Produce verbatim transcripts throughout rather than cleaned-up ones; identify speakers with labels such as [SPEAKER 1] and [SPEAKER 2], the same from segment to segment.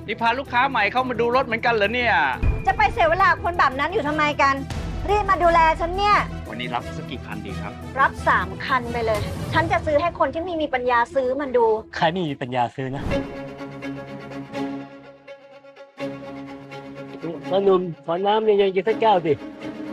[SPEAKER 1] นี่พาลูกค้าใหม่เข้ามาดูรถเหมือนกันเหรอเนี่ย
[SPEAKER 2] จะไปเสียเวลาคนแบบนั้นอยู่ทำไมกัน รีบมาดูแลฉันเนี่ย
[SPEAKER 1] วันนี้รับสักกี่คันดีครับ
[SPEAKER 2] รับสามคันไปเลย ฉันจะซื้อให้คนที่ไม่มีปัญญาซื้อมันดู
[SPEAKER 3] ใครไม่มีปัญญาซื้อนะพ่อหนุ่มขอน้ำเย็นๆกินสักแก้วสิ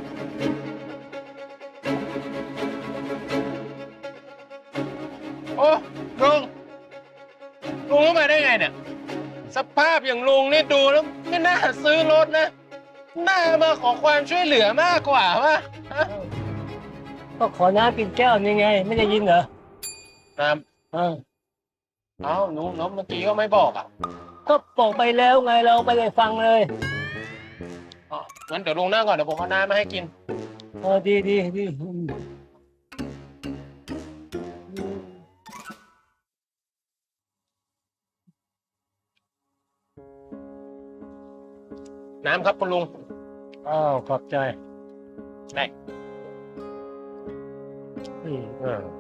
[SPEAKER 4] โอ้ลุงลุงเข้ามาได้ไงเนี่ยสภาพอย่างลุงนี่ดูแล้วไม่น่าซื้อรถนะน่ามาขอความช่วยเหลือมากกว่าว่ะ
[SPEAKER 3] ก็ขอน้ำกินแก้วนี่ไงไม่ได้ยินเหรอ
[SPEAKER 4] น้
[SPEAKER 3] ำเออ
[SPEAKER 4] เอ้าลุงน้องเมื่อกี้ก็ไม่บอกอ่ะ
[SPEAKER 3] ก็บอกไปแล้วไงเราไม่ได้ฟังเลย
[SPEAKER 4] อ๋องั้นเดี๋ยวลุงนั่งก่อนเดี๋ยวผมเอาน้ำมาให้กิน
[SPEAKER 3] เออดีดีดี
[SPEAKER 4] น้ำครับคุณลุง
[SPEAKER 3] อ้าวขอบใจ
[SPEAKER 4] ได้
[SPEAKER 3] อืมเออ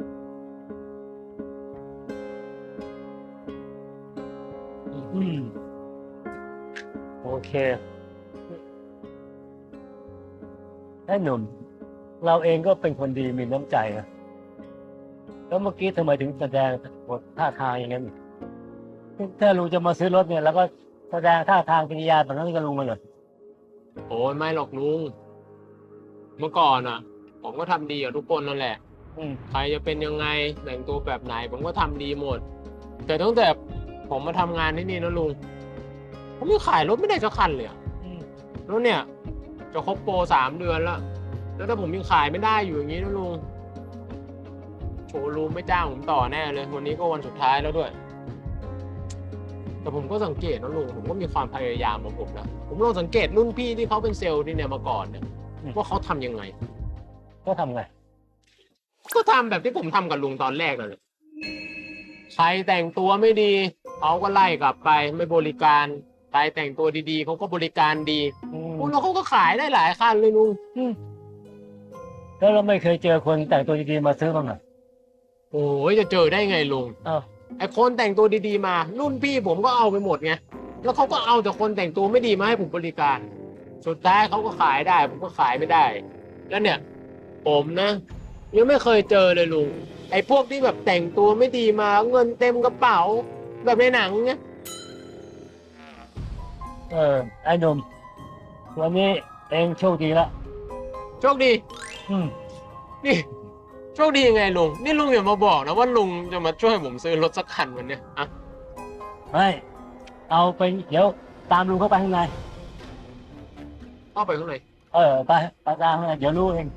[SPEAKER 3] อืมโอเคไอ้หนุ่มเราเองก็เป็นคนดีมีน้ำใจนะแล้วเมื่อกี้ทำไมถึงแสดงบทท่าทางอย่างนั้นถ้าลุงจะมาซื้อรถเนี่ยแล้วก็แสดงท่าทางกิริยาแบบนั้นกับลุงมาเลย
[SPEAKER 4] โอ้ยไม่หรอกลุงเมื่อก่อนอ่ะผมก็ทำดีกับทุกคนนั่นแหละใครจะเป็นยังไงแต่งตัวแบบไหนผมก็ทำดีหมดแต่ตั้งแต่ผมมาทำงานที่นี่นะลุงผมยังขายรถไม่ได้สักคันเลยแล้วเนี่ยจะครบโปรสามเดือนแล้วแล้วถ้าผมยังขายไม่ได้อยู่อย่างนี้นะลุงโชว์รูมไม่จ้างผมต่อแน่เลยวันนี้ก็วันสุดท้ายแล้วด้วยแต่ผมก็สังเกตนะลุงผมก็มีความพยายามของผมนะผมลองสังเกตรุ่นพี่ที่เขาเป็นเซลล์ที่เนี่ยมาก่อนเนี่ยว่าเขาทำยังไง
[SPEAKER 3] ก็ทำไง
[SPEAKER 4] ก็ทำแบบที่ผมทำกับลุงตอนแรกเลยใครแต่งตัวไม่ดีเขาก็ไล่กลับไปไม่บริการใครแต่งตัวดีๆเขาก็บริการดีแล้วเขาก็ขายได้หลายคันเลยลุง
[SPEAKER 3] แล้วเราไม่เคยเจอคนแต่งตัวดีๆมาซื้อบ้างเหรอ
[SPEAKER 4] โอ้ยจะเจอได้ไงลุง
[SPEAKER 3] อ้าว
[SPEAKER 4] ไอคนแต่งตัวดีๆมารุ่นพี่ผมก็เอาไปหมดไงแล้วเขาก็เอาแต่คนแต่งตัวไม่ดีมาให้ผมบริการสุดท้ายเขาก็ขายได้ผมก็ขายไม่ได้แล้วเนี่ยผมนะยังไม่เคยเจอเลยลุงไอพวกที่แบบแต่งตัวไม่ดีมาเงินเต็มกระเป๋าแบบในหนังเนี่ย
[SPEAKER 3] เออไอ้หนุ่มวันนี้เองโชคดีละ
[SPEAKER 4] โชคดี
[SPEAKER 3] อืม
[SPEAKER 4] นี่โชคดียังไงลุงนี่ลุงอย่ามาบอกนะว่าลุงจะมาช่วยผมซื้อรถสักคันวันนี้อะ
[SPEAKER 3] ไม่เอาไปเดี๋ยวตามลุงเข้าไปข้างใน
[SPEAKER 4] เข้าไปข้างใน
[SPEAKER 3] เออไปไปตามข้างในเดี๋ยวรู้เอง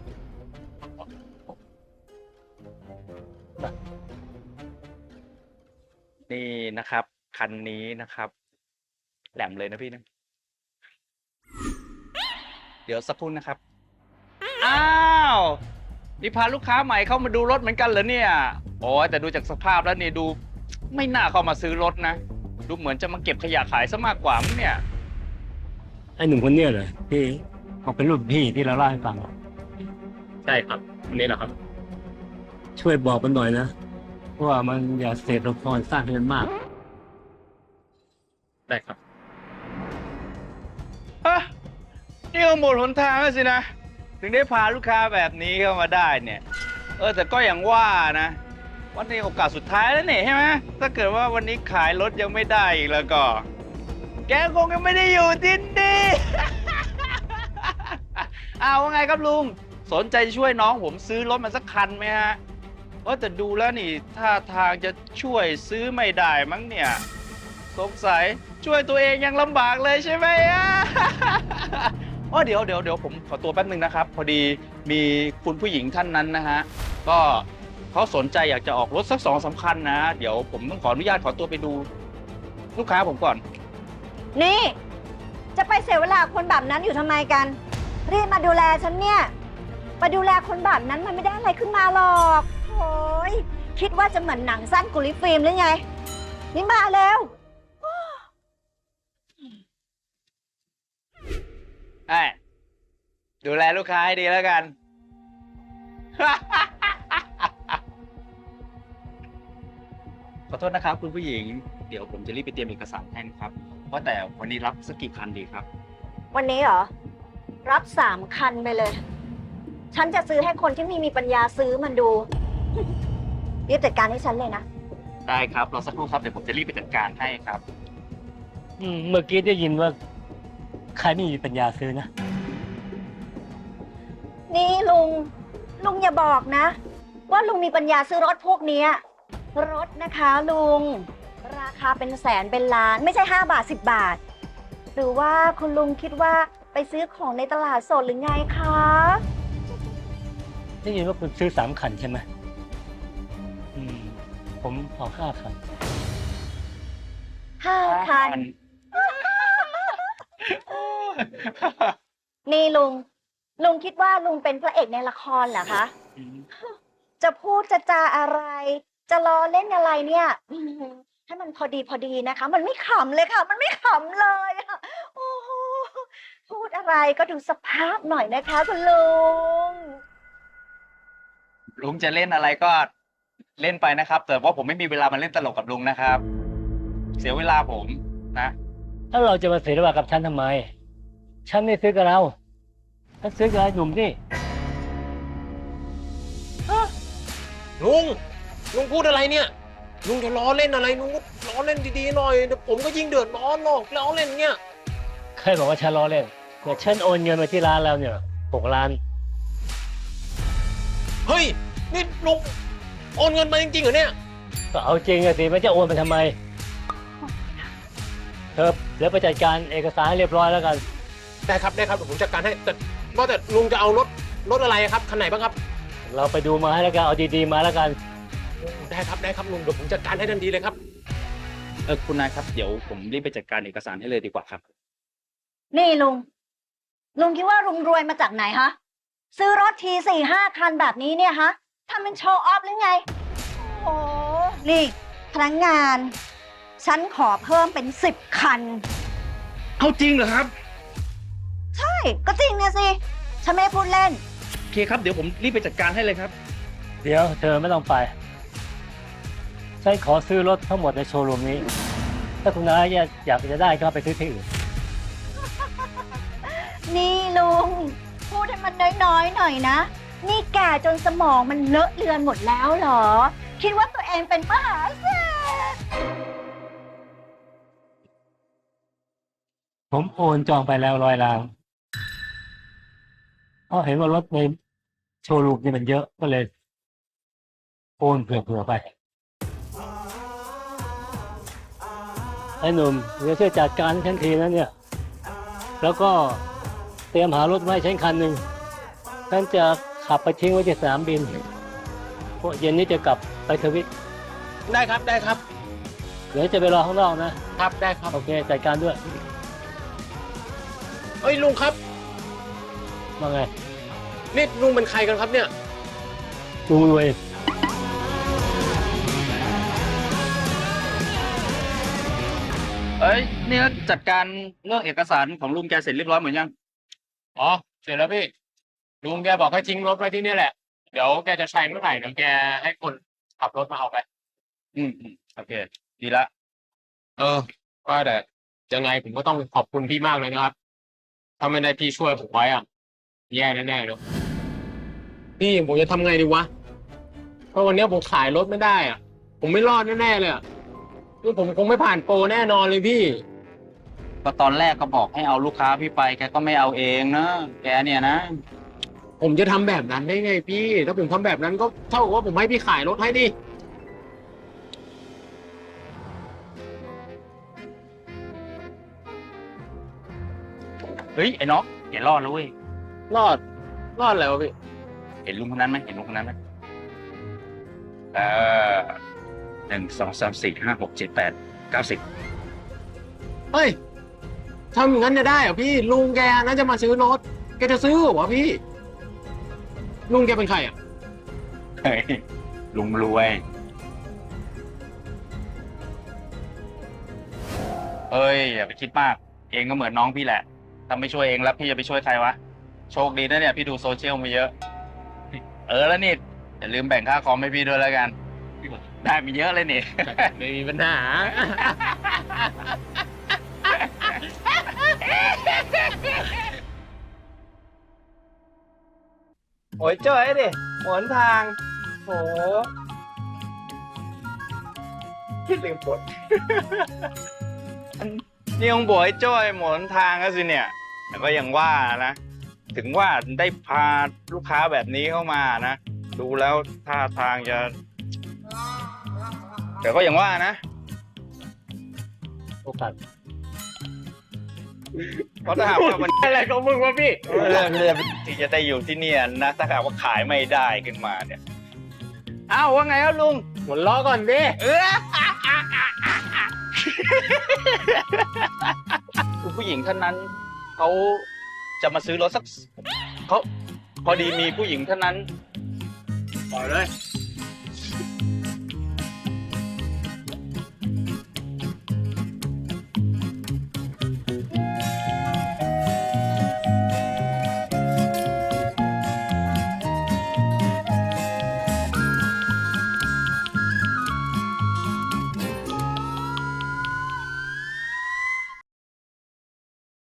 [SPEAKER 1] นี่นะครับคันนี้นะครับแหลมเลยนะพี่นะเดี๋ยวสักครู่นะครับอ้าวนี่พาลูกค้าใหม่เข้ามาดูรถเหมือนกันเหรอเนี่ยโอ้แต่ดูจากสภาพแล้วนี่ดูไม่น่าเข้ามาซื้อรถนะดูเหมือนจะมาเก็บขยะขายซะมากกว่ามั้งเนี่ย
[SPEAKER 3] ไอ้หนุ่มคนเนี้ยเลยที่เขาเป็นรุ่นพี่ที่เราเล่าให้ฟัง
[SPEAKER 4] ใช่ครับคนนี้แหละครับ
[SPEAKER 3] ช่วยบอกมันหน่อยนะว่ามันอย่าเสพละครสร้างเงินมาก
[SPEAKER 4] ได้ครับ
[SPEAKER 1] ฮะนี่ก็หมดหนทางแล้วสินะถึงได้พาลูกค้าแบบนี้เข้ามาได้เนี่ยเออแต่ก็อย่างว่านะวันนี้โอกาสสุดท้ายแล้วเนี่ยใช่ไหมถ้าเกิดว่าวันนี้ขายรถยังไม่ได้อีกแล้วก็แกคงยังไม่ได้อยู่ที่นี่อ้าวว่าไงครับลุงสนใจจะช่วยน้องผมซื้อรถมาสักคันไหมฮะเออแต่ดูแล้วนี่ท่าทางจะช่วยซื้อไม่ได้มั้งเนี่ยสงสัยช่วยตัวเองยังลำบากเลยใช่ไหมอ่ะอ๋อเดี๋ยวเดี๋ยวเดี๋ยวผมขอตัวแป๊บนึงนะครับพอดีมีคุณผู้หญิงท่านนั้นนะฮะก็เขาสนใจอยากจะออกรถสักสองสามคัญนะเดี๋ยวผมต้องขออนุญาตขอตัวไปดูลูกค้าผมก่อน
[SPEAKER 2] นี่จะไปเสียเวลาคนแบบนั้นอยู่ทำไมกันรีบมาดูแลฉันเนี่ยมาดูแลคนแบบนั้นมันไม่ได้อะไรขึ้นมาหรอกโอ้ยคิดว่าจะเหมือนหนังสั้นกุลิฟิล์มหรือไงนี่มาแล้ว
[SPEAKER 1] ไอ้ดูแลลูกค้าให้ดีแล้วกัน ขอโทษนะครับคุณผู้หญิงเดี๋ยวผมจะรีบไปเตรียมเอกสารให้นะครับว่าแต่วันนี้รับสักกี่คันดีครับ
[SPEAKER 2] วันนี้เหรอ รับสามคันไปเลย ฉันจะซื้อให้คนที่ไม่มีปัญญาซื้อมันดู รีบจัดการให้ฉันเลยนะ
[SPEAKER 1] ได้ครับรอสักครู่ครับเดี๋ยวผมจะรีบไปจัดการให้ครับ
[SPEAKER 3] อืมเมื่อกี้ได้ยินว่าใครไม่มีปัญญาซื้อนะ
[SPEAKER 2] นี่ลุง ลุงอย่าบอกนะ ว่าลุงมีปัญญาซื้อรถพวกเนี้ยรถนะคะลุง ราคาเป็นแสนเป็นล้าน ไม่ใช่ห้าบาทสิบบาท หรือว่าคุณลุงคิดว่าไปซื้อของในตลาดสดหรือไงคะ
[SPEAKER 3] ได้ยินว่าคุณซื้อสามคันใช่ไหมอืม ผมเอาห้าคัน
[SPEAKER 2] ห้าคัน นี่ลุง ลุงคิดว่าลุงเป็นพระเอกในละครเหรอคะ จะพูดจะจาอะไร จะล้อเล่นอะไรเนี่ยอืมให้มันพอดีพอดีนะคะ มันไม่ขำเลยค่ะ มันไม่ขำเลยอะโอ้โหพูดอะไรก็ดูสภาพหน่อยนะคะคุณลุง
[SPEAKER 1] ลุงจะเล่นอะไรก็เล่นไปนะครับ แต่ว่าผมไม่มีเวลามาเล่นตลกกับลุงนะครับ เสียเวลาผมนะ
[SPEAKER 3] แล้วเราจะมาเสียเวลากับฉันทำไม ฉันไม่ซื้อกับเราฉันซื้อกับไอ้หนุ่มนี่
[SPEAKER 4] ลุง ลุงพูดอะไรเนี่ย ลุงจะล้อเล่นอะไรลุงก็ล้อเล่นดีๆหน่อยเดี๋ยวผมก็ยิ่งเดือดร้อนหรอกล้อเล่นเนี่ย
[SPEAKER 3] ใครบอกว่าฉันล้อเล่นแต่ฉันโอนเงินมาที่ร้านแล้วเนี่ยหกล้าน
[SPEAKER 4] เฮ้ย นี่ลุงโอนเงินมาจริงๆเหรอเนี่ย
[SPEAKER 3] ก็เอาจริงอะสิมันจะโอนไปทำไมเธอเดี๋ยวไปจัดการเอกสารให้เรียบร้อยแล้วกัน
[SPEAKER 4] ได้ครับได้ครับเดี๋ยวผมจัดการให้แต่ว่าแต่ลุงจะเอารถรถอะไรครับคันไหนบ้างครับ
[SPEAKER 3] เราไปดูมาให้แล้วกันเอาดีๆมาแล้วกัน
[SPEAKER 4] ได้ครับได้ครับลุงเดี๋ยวผมจัดการให้ทันทีเลยครับ
[SPEAKER 1] เออคุณนายครับเดี๋ยวผมรีบไปจัดการเอกสารให้เลยดีกว่าครับ
[SPEAKER 2] นี่ลุง ลุงคิดว่าลุงรวยมาจากไหนฮะ ซื้อรถทีสี่ห้าคันแบบนี้เนี่ยฮะทำเป็นโชว์ออฟหรือไง โอ้โห นี่พนักงาน ฉันขอเพิ่มเป็นสิบคัน
[SPEAKER 1] เอาจริงเหรอครับ
[SPEAKER 2] ใช่ ก็จริงนะสิ ฉันไม่ได้พูดเล่น
[SPEAKER 1] โอเคครับเดี๋ยวผมรีบไปจัดการให้เลยครับ
[SPEAKER 3] เดี๋ยวเธอไม่ต้องไปฉันขอซื้อรถทั้งหมดในโชว์รูมนี้ ถ้าคุณนายอยากจะได้ก็ไปซื้อที่อื่น
[SPEAKER 2] นี่ลุง พูดให้มันน้อยๆหน่อยนะ นี่แก่จนสมองมันเลอะเลือนหมดแล้วเหรอ คิดว่าตัวเองเป็นมหาเศรษฐี
[SPEAKER 3] ผมโอนจองไปแล้วร้อยล้านเพราะเห็นว่ารถในโชว์รูมนี่มันเยอะก็เลยโอนเผื่อๆไปไอ้หนุ่มเดี๋ยวช่วยจัดการให้ฉันทีนะเนี่ย แล้วก็เตรียมหารถไว้ให้ฉันคันหนึ่งฉันจะขับไปทิ้งไว้ที่สนามบินเพราะเย็นนี้จะกลับไปทวิต
[SPEAKER 4] ได้ครับได้ครับ
[SPEAKER 3] เดี๋ยวจะไปรอข้างนอกนะครับ
[SPEAKER 4] ได้ครับ
[SPEAKER 3] โอเคจัดการด้วย
[SPEAKER 4] เอ้ยลุงครับ
[SPEAKER 3] ว่าไง
[SPEAKER 4] นี่ลุงเป็นใครกันครับเนี่ย
[SPEAKER 3] ลุงรวย
[SPEAKER 1] เอ้ยนี่จัดการเรื่องเอกสารของลุงแกเสร็จเรียบร้อยหมดยัง
[SPEAKER 4] อ๋อเสร็จแล้วพี่ลุงแกบอกให้ทิ้งรถไว้ที่นี่แหละเดี๋ยวแกจะใช้เมื่อไหร่เดี๋ยวแกให้คนขับรถมาเอาไป
[SPEAKER 1] อืมอืมโอเค ดีละ
[SPEAKER 4] เออว่าแต่ยังไงผมก็ต้องขอบคุณพี่มากเลยนะครับถ้าไม่ได้พี่ช่วยผมไว้อ่ะแย่แน่ๆเลยพี่ผมจะทำไงดีวะเพราะวันนี้ผมขายรถไม่ได้อ่ะ ผมไม่รอดแน่ๆเลยอ่ะคือผมคงไม่ผ่านโปรแน่นอนเลยพี่
[SPEAKER 1] ก็ตอนแรกก็บอกให้เอาลูกค้าพี่ไปแกก็ไม่เอาเองนะแกเนี่ยนะ
[SPEAKER 4] ผมจะทำแบบนั้นได้ไงพี่ ถ้าผมทำแบบนั้นก็เท่ากับว่าผมให้พี่ขายรถให้ดิ
[SPEAKER 1] เฮ้ยไอ้น้องแกรอดแล้วเว้ย
[SPEAKER 4] รอด รอดแล้วะพี่
[SPEAKER 1] เห็นลุงคนนั้นไหมเห็นลุงคนนั้นไหมเออหนึ่งสองสามสี่ห้าหกเจ็ดแปดเก้าสิบ
[SPEAKER 4] เฮ้ยทำอย่างนั้นจะได้เหรอพี่ ลุงแกน่าจะมาซื้อรถ แกจะซื้อเหรอวะพี่ ลุงแกเป็นใครอ่ะ
[SPEAKER 1] เฮ้ยลุงรวยเอ้ยอย่าไปคิดมาก เองก็เหมือนน้องพี่แหละถ้าไม่ช่วยเองแล้วพี่จะไปช่วยใครวะโชคดีนะเนี่ยพี่ดูโซเชียลมาเยอะ เออแล้วนี่อย่าลืมแบ่งค่าคอมให้พี่ด้วยแล้วกัน ได้มีเยอะเลยนี่
[SPEAKER 4] ไม่มีปัญหา
[SPEAKER 1] โอ้ยจ้อยดิหนทางโหคิดลืมปด นี่ยังบอกไอ้จ้อยหมนทางก็สิเนี่ย แต่ก็ยังว่านะ ถึงว่าได้พาลูกค้าแบบนี้เข้ามานะ ดูแล้วท่าทางจะ แต่ก็ยังว่านะ
[SPEAKER 3] โอกาส
[SPEAKER 1] เพราะถ้าหากว่ามัน
[SPEAKER 4] อะไรของมึงวะพี่
[SPEAKER 1] เรื่องเรื่องที่จะได้อยู่ที่เนี่ยนะ ถ้าหากว่าขายไม่ได้ขึ้นมาเนี่ยอ้าวว่าไงครับลุง
[SPEAKER 4] หมดล้อก่อนดิ
[SPEAKER 1] เออ คุณผู้หญิงท่านนั้นเขาจะมาซื้อรถสักเขาพอดีมีผู้หญิงท่านนั้น
[SPEAKER 4] ปล่อยเลย